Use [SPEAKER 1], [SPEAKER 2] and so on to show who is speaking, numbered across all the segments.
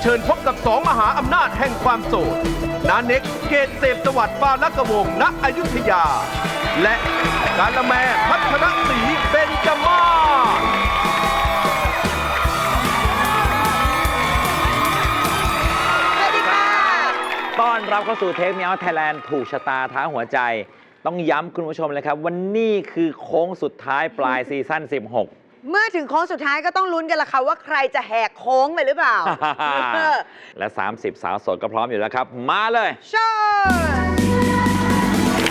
[SPEAKER 1] เชิญพบกับสองมหาอำนาจแห่งความโสดนาเน็กเกตเสพสวัสดิ์ปาลกวงศ์ณอยุธยา และกาละแมพัฒนศรีเบญจมาศ
[SPEAKER 2] ต้อนรับเข้าสู่เทปเมียวไทยแลนด์ถูกชะตาท้าหัวใจต้องย้ำคุณผู้ชมเลยครับวันนี้คือโค้งสุดท้ายปลายซีซั่น16
[SPEAKER 3] เมื่อถึงโค้งสุดท้ายก็ต้องลุ้นกันละค่ะว่าใครจะแหกโค้งไปหรือเปล่า
[SPEAKER 2] และ30สาวโสดก็พร้อมอยู่แล้วครับมาเลย
[SPEAKER 3] เชิญ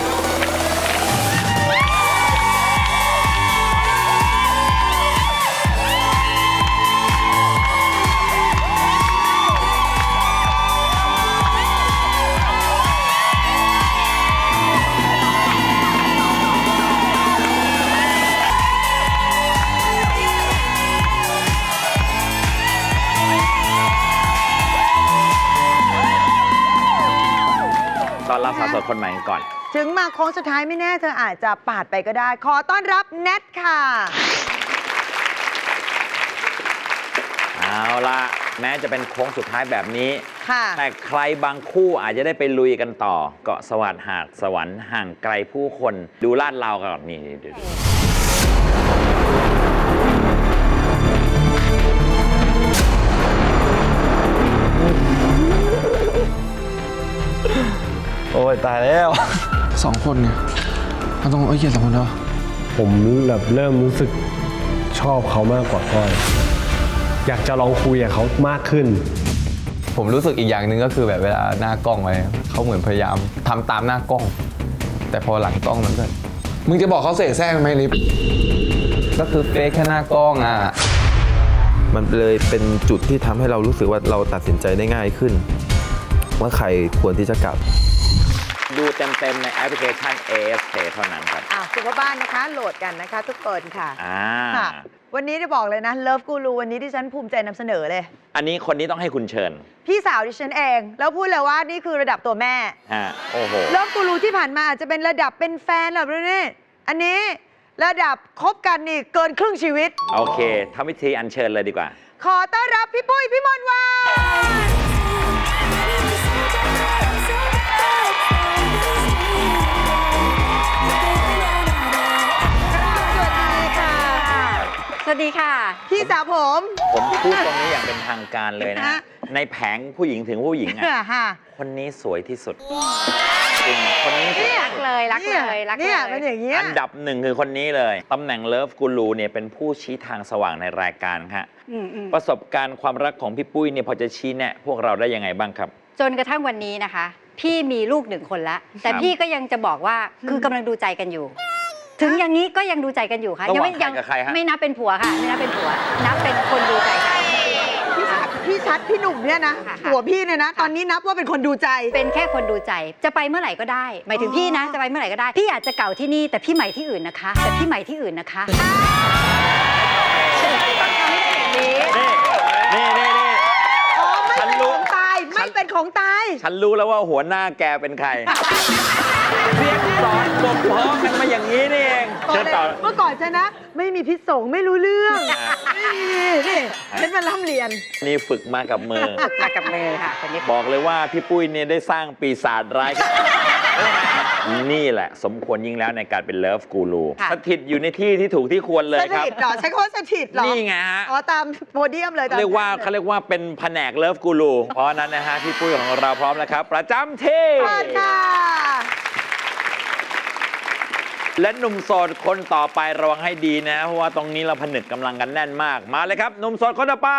[SPEAKER 2] ตอนรับสาวโสดคนใหม่กันก่อน
[SPEAKER 3] ถึงมาโค้งสุดท้ายไม่แน่เธออาจจะปาดไปก็ได้ขอต้อนรับแนทค่ะ
[SPEAKER 2] เอาล่ะแม้จะเป็นโค้งสุดท้ายแบบนี้
[SPEAKER 3] ค่ะ
[SPEAKER 2] แต่ใครบางคู่อาจจะได้ไปลุยกันต่อเกาะสวัสดิ์หาดสวรรค์ห่างไกลผู้คนดูลาดเรากันก่อนนี่ดู
[SPEAKER 4] โอ้ยตายแล้ว
[SPEAKER 5] 2 คนเนี่ยมันต้องเขียน2 คนเนาะ
[SPEAKER 4] ผมแบบเริ่มรู้สึกชอบเขามากกว่าก้อยอยากจะลองคุยกับเขามากขึ้น
[SPEAKER 5] ผมรู้สึกอีกอย่างหนึ่งก็คือแบบเวลาหน้ากล้องไว้เขาเหมือนพยายามทำตามหน้ากล้องแต่พอหลังกล้องมันก็มึงจะบอกเขาเสแสร้งไหมลิฟก็คือเฟคแค่หน้ากล้องอ่ะ
[SPEAKER 6] มันเลยเป็นจุดที่ทำให้เรารู้สึกว่าเราตัดสินใจได้ง่ายขึ้นว่าใครควรที่จะกลับ
[SPEAKER 2] ดูเต็มๆในแอปพลิเคชัน AFK เท่านั้นครับ
[SPEAKER 3] คุณพ่อบ้านนะคะโหลดกันนะคะทุกคนค่ะ
[SPEAKER 2] ค่ะ
[SPEAKER 3] วันนี้จะบอกเลยนะเลิฟกูรูวันนี้ที่ฉันภูมิใจนำเสนอเลย
[SPEAKER 2] อันนี้คนนี้ต้องให้คุณเชิญ
[SPEAKER 3] พี่สาวดิฉันเองแล้วพูดเลยว่านี่คือระดับตัวแม่
[SPEAKER 2] โอ้โห
[SPEAKER 3] เลิฟกูรูที่ผ่านมาอาจจะเป็นระดับเป็นแฟนแบบนี้อันนี้ระดับคบกันนี่เกินครึ่งชีวิต
[SPEAKER 2] โอเคทำพิธีอัญเชิญเลยดีกว่า
[SPEAKER 3] ขอต้อนรับพี่ปุ้ยพี่มนต์วัน
[SPEAKER 7] สวัสดีค่ะ
[SPEAKER 3] พี่สาวผม
[SPEAKER 2] พูดตรงนี้อย่างเป็นทางการเลยนะในแผงผู้หญิงถึงผู้หญิงคนนี้สวยที่สุดจริงคนนี้
[SPEAKER 7] รักเลยรักเลยรักเลย
[SPEAKER 3] เป็นอย่างนี้
[SPEAKER 2] อันดับ1คือคนนี้เลยตำแหน่งเลิฟกูรูเนี่ยเป็นผู้ชี้ทางสว่างในรายการครับประสบการณ์ความรักของพี่ปุ้ยเนี่ยพอจะชี้แนะพวกเราได้ยังไงบ้างครับ
[SPEAKER 7] จนกระทั่งวันนี้นะคะพี่มีลูก1 คนแล้วแต่พี่ก็ยังจะบอกว่าคือกำลังดูใจกันอยู่ถึงอย่างนี้ก็ยังดูใจกันอยู่ค่ะ
[SPEAKER 2] ยัง
[SPEAKER 7] ไม่นับเป็นผัวค่ะไม่นับเป็นผัวนับเป็นคนดูใจกัน
[SPEAKER 3] พี่ชัดพี่หนุ่มเนี่ยนะผัวพี่เนี่ยนะตอนนี้นับว่าเป็นคนดูใจ
[SPEAKER 7] เป็นแค่คนดูใจจะไปเมื่อไหร่ก็ได้หมายถึงพี่นะจะไปเมื่อไหร่ก็ได้พี่อาจจะเก่าที่นี่แต่พี่ใหม่ที่อื่นนะคะแต่พี่ใหม่ที่อื่นนะคะ
[SPEAKER 3] ไม่เป็นของตายไม่เป็นของตาย
[SPEAKER 2] ฉันรู้แล้วว่าหัวหน้าแกเป็นใครเรียนสอนบ่มเพาะกันมาอย่างนี้นี่เอง
[SPEAKER 3] เมื่อก่อนฉันนะไม่มีพิษสงไม่รู้เรื่องไม่มีนี่ฉันมาล่ำเรียน
[SPEAKER 2] นี่ฝึกมากับมือ
[SPEAKER 7] มากับมือค่ะคนนี้
[SPEAKER 2] บอกเลยว่าพี่ปุ้ยเนี่ยได้สร้างปีศาจร้ายนี่แหละสมควรยิ่งแล้วในการเป็นเลิฟกูรูสถิตอยู่ในที่ที่ถูกที่ควรเลยครับ
[SPEAKER 3] สถิตหรอใช้คำว่าสถิตหรอ
[SPEAKER 2] นี่ไงฮะ
[SPEAKER 3] ตามโพเดียมเลย
[SPEAKER 2] เขาเรียกว่าเป็นแผนกเลิฟกูรูเพราะนั้นนะฮะพี่ปุ้ยของเราพร้อมแล้วครับประจำที่
[SPEAKER 3] ค่ะ
[SPEAKER 2] และหนุ่มโสดคนต่อไประวังให้ดีนะเพราะว่าตรงนี้เราผนึกกำลังกันแน่นมากมาเลยครับหนุ่มโสดคนต่อไป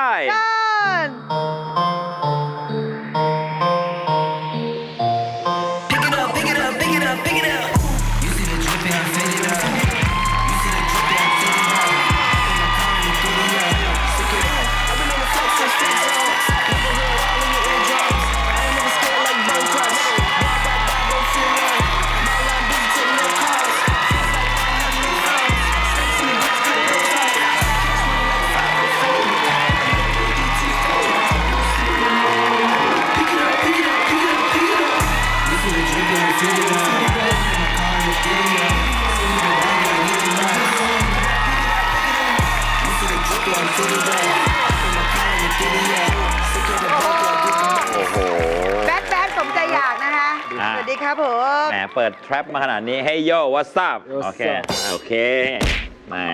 [SPEAKER 3] นะครับผม
[SPEAKER 2] แหมเปิดแทร็ปมาขนาดนี้ให้โย่วั s ั p โอเค โอเค มา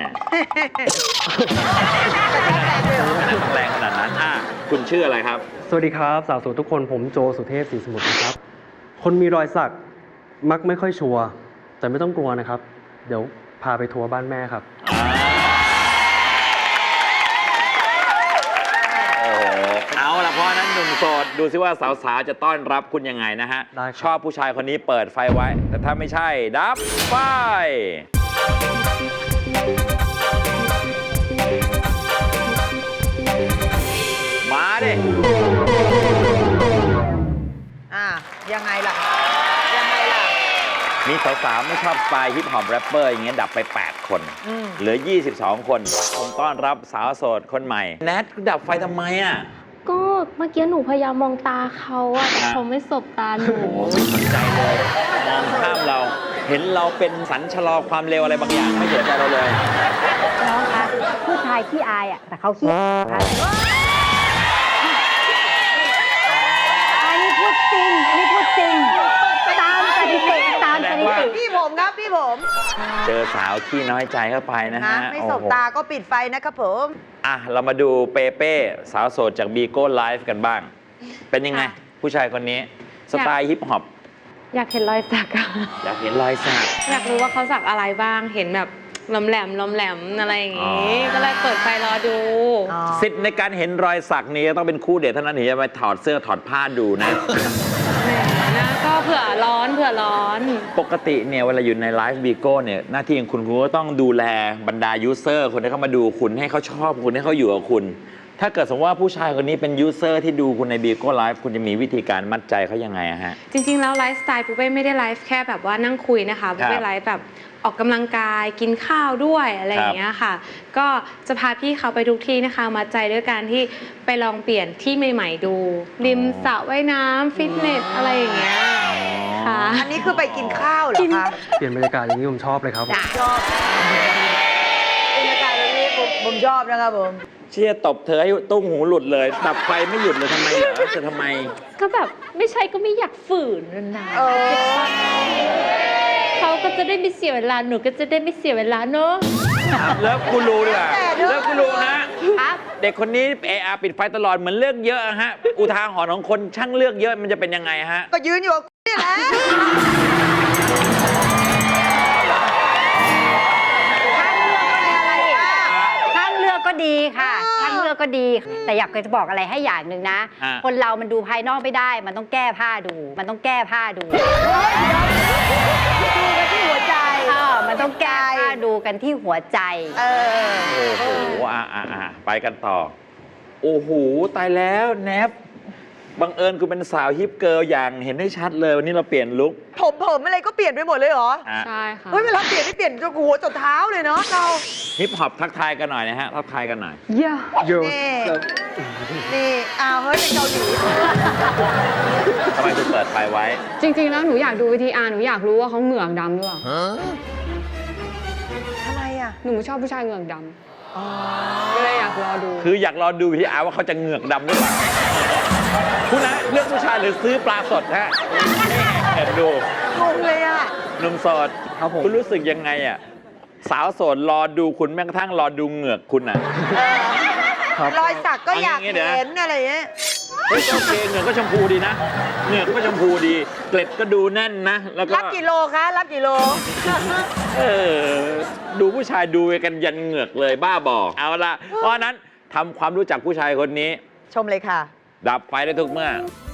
[SPEAKER 2] แรงขนาดนั้นคุณชื่ออะไรครับ
[SPEAKER 4] สวัสดีครับ สาวโสดทุกคนผมโจสุเทพศรีสมุทรนะครับ คนมีรอยสักมักไม่ค่อยชัวร์แต่ไม่ต้องกลัวนะครับ เดี๋ยวพาไปทัวร์บ้านแม่ครับ
[SPEAKER 2] โอ้โห เอาละเพราะฉะนั้นหนุ่มโสดดูซิว่าสาวๆจะต้อนรับคุณยังไงนะฮะ
[SPEAKER 4] ได้ครับ
[SPEAKER 2] ชอบผู้ชายคนนี้เปิดไฟไว้ แต่ถ้าไม่ใช่ดับไฟ มาดิ
[SPEAKER 3] ยังไงล่ะ ยังไงล่ะ
[SPEAKER 2] มีสาวๆไม่ชอบสไตล์ฮิปฮอปแรปเปอร์อย่างเงี้ยดับไป 8 คน เหลือ 22 คน ผมต้อนรับสาวโสดคนใหม่ แนทดับไฟทำไมอ่ะ
[SPEAKER 8] ก็เมื่อกี้หนูพยายามมองตาเขาอะแต่เขาไม่สบตาหนู
[SPEAKER 2] โอ้โหไม่สนใจเลย มองข้ามเรา เห็นเราเป็นสัญชะลอความเร็วอะไรบางอย่างไม่สนใจเราเลย
[SPEAKER 7] น้องคะผู้ชายขี้อายอ่ะแต่เขาขี้ค่ะอันนี้พูดจริง อันนี้พูดจริง ตามสถิติตามสถิติ
[SPEAKER 3] พี่ผมครับ พี่ผม
[SPEAKER 2] เจอสาวขี้น้อยใจเข้าไปนะ
[SPEAKER 3] นะ
[SPEAKER 2] ฮะ
[SPEAKER 3] ไม่สบ
[SPEAKER 2] โอ้โห
[SPEAKER 3] ตาก็ปิดไฟนะครับผม
[SPEAKER 2] อ่ะ เรามาดูเปเป้สาวโสดจากบีโก้ไลฟ์กันบ้าง เป็นยังไง ผู้ชายคนนี้ สไตล์ฮิปฮอป
[SPEAKER 8] อยากเห็นรอยสักอะ
[SPEAKER 2] อยากเห็นรอยสัก
[SPEAKER 8] อยากรู้ว่าเขาสักอะไรบ้าง เห็นแบบลมแหลมลมแหลมอะไรอย่างงี้ ก็เลยเปิดไฟรอดู
[SPEAKER 2] สิทธิ์ในการเห็นรอยสักนี้ต้องเป็นคู่เดทเท่านั้นถึงจะไปถอดเสื้อถอดผ้าดูนะ
[SPEAKER 8] แหมนะก็เผื่อร้อนเผื่อร้อน
[SPEAKER 2] ปกติเนี่ยเวลาอยู่ในไลฟ์บีโก้เนี่ยหน้าที่ของคุณก็ต้องดูแลบรรดายูเซอร์คนที่เข้ามาดูคุณให้เขาชอบคุณให้เขาอยู่กับคุณ ถ้าเกิดสมมติว่าผู้ชายคนนี้เป็นยูเซอร์ที่ดูคุณในบีโก้ไลฟ์คุณจะมีวิธีการมัดใจเขายังไงอะฮะ
[SPEAKER 8] จริงๆ แล้วไลฟ์สไตล์ปุ๊บเป้ไม่ได้ไลฟ์แค่แบบว่านั่งคุยนะคะปุ๊บเป้ไลฟ์แบบออกกำลังกายกินข้าวด้วยอะไรอย่างเงี้ยค่ะ ก็จะพาพี่เขาไปทุกที่นะคะมาใจด้วยการที่ไปลองเปลี่ยนที่ใหม่ๆดู ริมสระว่ายน้ำฟิตเนสอะไรอย่างเงี้ยค่ะ
[SPEAKER 3] อันนี้คือไปกินข้าวเหรอคะ
[SPEAKER 4] เปลี่ยนบรรยากาศอย่างนี้ผมชอบเลยครับ
[SPEAKER 3] ชอบบรรยากาศแบบนี้ผมชอบนะครับผม
[SPEAKER 2] เชี่ยตบเธอให้ตุ้งหูหลุดเลยดับไฟไม่หยุดเลยทำไมเหรอจะทำไม
[SPEAKER 8] ก็แบบไม่ใช่ก็ไม่อยากฝืนนะ เขาก็จะได้ไม่เสียเวลาหนูก็จะได้ไม่เสียเวลาเนอะ
[SPEAKER 2] เลิฟกูรูดีกว่า
[SPEAKER 3] แต่เนอะ
[SPEAKER 2] เลิฟกูรูฮะ
[SPEAKER 7] ครับ
[SPEAKER 2] เด็กคนนี้ปิดไฟตลอดเหมือนเลือกเยอะอะฮะ อุทาหรณ์ของคนช่างเลือกเยอะมันจะเป็นยังไงฮะ
[SPEAKER 3] ก็ยืนอยู่กับนี่แหละ
[SPEAKER 7] ข้างเลือกก็ดีค่ะข้างเลือกก็ดี แต่อยากจะบอกอะไรให้อย่างหนึ่งนะ คนเรามันดูภายนอกไม่ได้ มันต้องแก้ผ้าดู มันต้องแก้ผ้าดู
[SPEAKER 3] ดูกันที่หัวใจ
[SPEAKER 7] มันต้องแก้ผ้าดูกันที่หัวใจ
[SPEAKER 2] โอ้โหไปกันต่อ โอ้โห ตายแล้วแนบบังเอิญคุณเป็นสาวฮิปเกิร์ลอย่างเห็นได้ชัดเลย วันนี้เราเปลี่ยนลุค
[SPEAKER 3] ผมอะไรก็เปลี่ยนไปหมดเลยเหรอ
[SPEAKER 8] ใช่ค่ะ
[SPEAKER 3] เฮ้ยเวลาเปลี่ยนนี่เปลี่ยนจนหัวจนเท้าเลยเนาะเรา
[SPEAKER 2] ฮิปฮอปทักทายกันหน่อยนะฮะ ทักทายกันหน่อย
[SPEAKER 3] นี่เฮ้ยเป็นเกาหลี
[SPEAKER 2] ทำไมคุณเปิดไฟไว้
[SPEAKER 9] จริง ๆ แล้วหนูอยากดูวิธีอาร์หนูอยากรู้ว่าเขาเหงือกดำหรือเปล่า
[SPEAKER 3] ทำไมอ่ะ
[SPEAKER 9] หนูชอบผู้ชายเหงือกดำก็เลยอยากรอดู
[SPEAKER 2] คืออยากรอดูพี่อาร์ว่าเขาจะเหงือกดำหรือเปล่าคุณนะเลือกผู้ชายหรือซื้อปลาสดฮะแอบดู
[SPEAKER 3] งงเลยอ่ะ
[SPEAKER 2] หนุ่มโสด
[SPEAKER 4] ครับผม
[SPEAKER 2] คุณรู้สึกยังไงอ่ะสาวโสดรอดูคุณแม้กระทั่งรอดูเหงือกคุณอ่ะ
[SPEAKER 4] ครับ
[SPEAKER 3] รอยสักก็อยาก
[SPEAKER 2] เอาอย่างงี้เดี๋ยว
[SPEAKER 3] เห็นอะไรอย่างเงี้ย
[SPEAKER 2] เฮ้ยโอเคเหงือกก็ชมพูดีนะเหงือกก็ชมพูดี เกล็ดก็ดูแน่นนะ แล้วก็
[SPEAKER 3] รับกี่โลคะ รับกี่โล
[SPEAKER 2] ดูผู้ชายดูกันยันเหงือกเลยบ้าบอเอาละเพราะฉะนั้นทำความรู้จักผู้ชายคนนี้
[SPEAKER 3] ชมเลยค่ะ
[SPEAKER 2] ดับไฟได้ทุกเมื่อ